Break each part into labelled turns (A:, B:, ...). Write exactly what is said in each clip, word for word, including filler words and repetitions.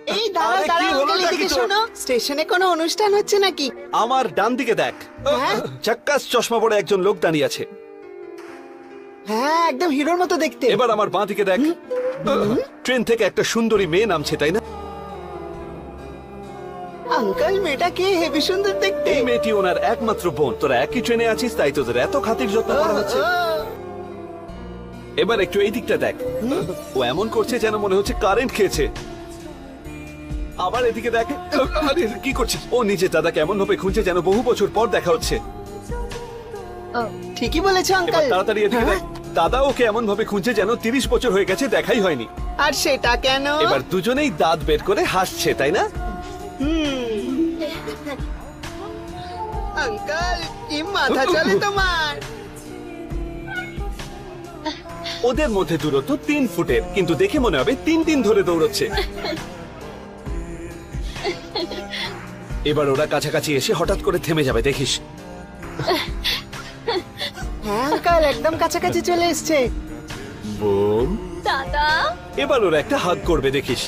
A: এই দাঁড়াও
B: আরে, কি
A: দাঁড়াও
B: হলো
A: আঙ্কেল,
B: নাকি
A: এদিকে
B: তোর?
A: শোনো, স্টেশনে কোনো অনুষ্ঠান হচ্ছে নাকি?
B: আমার ডান দিকে দেখ,
A: হ্যাঁ?
B: চাক্কাস চশমা পরে একজন লোক দাঁড়িয়ে আছে।
A: হ্যাঁ, একদম হিরোর মতো দেখতে।
B: এবার আমার বাঁ দিকে দেখ, ট্রেন থেকে একটা সুন্দরী মেয়ে নামছে, তাই না?
A: আঙ্কেল, মেয়েটা কে? হেবি সুন্দর দেখতে।
B: এই মেয়েটি ওনার একমাত্র বোন। তোরা একই ট্রেনে আছিস, তাই তোদের এত খাতির যত্ন করা হচ্ছে। এবার একটু এই দিকটা দেখ, ও এমন করছে যেন মনে হচ্ছে কারেন্ট খেয়েছে। আবার এদিকে দেখ, আরে কি করছিস? ও নিজে দাদাকে এমন ভাবে খুঁজছে যেন বহু বছর পর দেখা হচ্ছে।
A: ঠিকই বলেছো
B: এবার
A: আঙ্কেল।
B: তাড়াতাড়ি এদিকে দেখ, দাদা ওকে এমন ভাবে খুঁজছে যেন তিরিশ বছর হয়ে গেছে, দেখাই হয়নি।
A: আর সেটা কেন?
B: এবার দুজনেই দাঁত বের করে হাসছে, তাই না?
A: আঙ্কেল, কি মাথা চলে তোমার?
B: ওদের মধ্যে দূরত্ব তিন ফুটের, কিন্তু দেখে মনে হবে তিন দিন ধরে দৌড়চ্ছে। এবার ওরা কাছাকাছি এসে হঠাৎ করে থেমে যাবে, দেখিস।
A: হ্যাঁ আঙ্কেল, একদম কাছাকাছি চলে এসছে।
B: বোন,
C: দাদা,
B: এবার ওরা একটা হাগ করবে, দেখিস।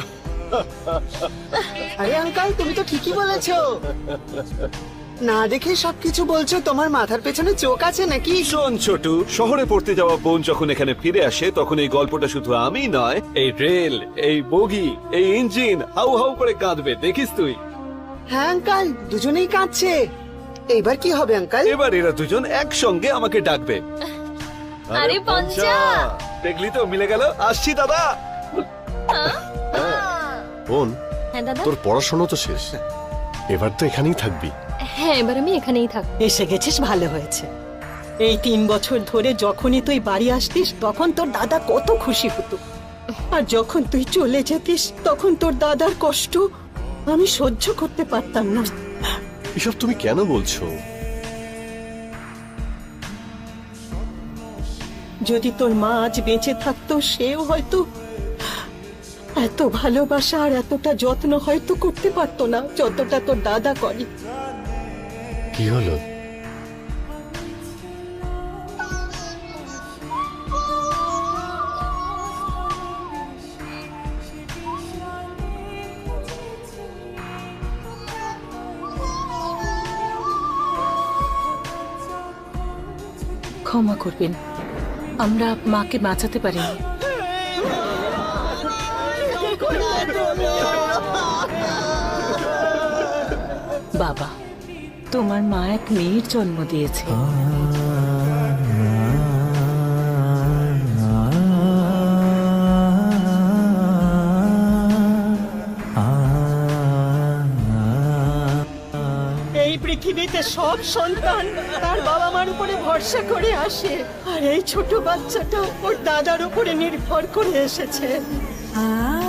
A: আরে আঙ্কেল, তুমি তো ঠিকই বলেছো। না দেখে সবকিছু বলছো, তোমার মাথার পেছনে চোখ আছে নাকি?
B: শোন ছোটু, শহরে পড়তে যাওয়া বোন যখন এখানে ফিরে আসে, তখন এই গল্পটা শুধু আমি নয়, এই রেল, এই বগি, এই ইঞ্জিন হাউ হাউ করে কাঁদবে, দেখিস তুই।
A: হ্যাঁ আঙ্কেল, দুজনেই কাঁদছে। এইবার কি হবে আঙ্কেল?
B: এবার এরা দুজন একসঙ্গে আমাকে ডাকবে।
C: আরে পঞ্চা!
B: দেখলি তো, মিলে গেল। আসছি দাদা।
D: বোন,
C: হ্যাঁ দাদা।
D: তোর পড়াশোনা তো শেষ, এবার তো এখানেই থাকবি।
C: হ্যাঁ, এবার আমি এখানেই থাকবো।
E: এসে গেছিস, ভালো হয়েছে। এই তিন বছর ধরে যখনই তুই বাড়ি আসতিস তখন তোর দাদা কত খুশি হতো, আর যখন তুই চলে যেতিস তখন তোর দাদার কষ্ট আমি সহ্য করতে পারতাম না।
D: এসব তুমি কেন বলছো?
E: যদি তোর মা আজ বেঁচে থাকতো, সেও হয়তো এত ভালোবাসা আর এতটা যত্ন হয়তো করতে পারতো না যতটা তোর দাদা করে।
D: কি হলো?
F: ক্ষমা করবেন, আমরা মাকে বাঁচাতে পারিনি। বাবা, তোমার মা এক মেয়ের জন্ম দিয়েছে।
E: এই পৃথিবীতে সব সন্তান তার বাবা মার উপরে ভরসা করে আসে, আর এই ছোট বাচ্চাটা ওর দাদার উপরে নির্ভর করে এসেছে।